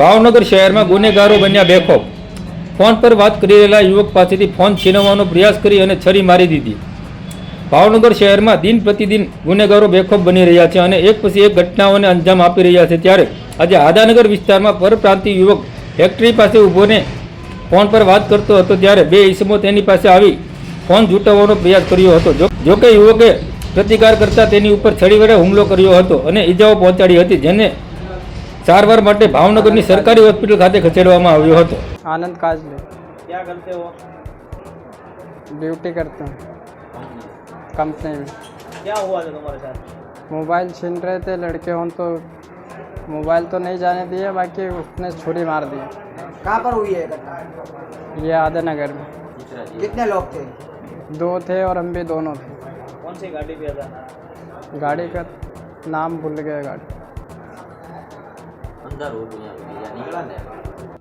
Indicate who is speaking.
Speaker 1: ભાવનગર શહેરમાં ગુનેગારો બન્યા બેખોફ। ફોન પર વાત કરી રહેલા યુવક પાસેથી ફોન છીનવવાનો પ્રયાસ કરી અને છરી મારી દીધી। ભાવનગર શહેરમાં દિન પ્રતિદિન ગુનેગારો બેખોફ બની રહ્યા છે અને એક પછી એક ઘટનાઓને અંજામ આપી રહ્યા છે। ત્યારે આજે આદાનગર વિસ્તારમાં પરપ્રાંતીય યુવક ફેક્ટરી પાસે ઊભોને ફોન પર વાત કરતો હતો ત્યારે બે ઈસમો તેની પાસે આવી ફોન ઝૂંટવવાનો પ્રયાસ કર્યો હતો। જોકે યુવકે પ્રતિકાર કરતા તેની ઉપર છરી વડે હુમલો કર્યો હતો અને ઈજાઓ પહોંચાડી હતી, જેને સારવાર માટે ભાવનગરની સરકારી હોસ્પિટલ ખાતે ખસેડવામાં આવ્યો હતો।
Speaker 2: आनंद काजले
Speaker 3: क्या करते हो?
Speaker 2: ड्यूटी करते हैं कंपनी में।
Speaker 3: क्या हुआ था तुम्हारे साथ?
Speaker 2: मोबाइल छीन रहे थे लड़के हों तो मोबाइल तो नहीं जाने दिया, बाकी उसने छुरी मार दी।
Speaker 4: कहाँ पर हुई है घटना?
Speaker 2: ये आदनगर में
Speaker 4: कितने लोग थे?
Speaker 2: 2 थे और हम भी दोनों थे।
Speaker 3: कौन सी गाड़ी पे था?
Speaker 2: गाड़ी का नाम भूल गए गाड़ी।
Speaker 5: अंदर हो गया निकला नहीं।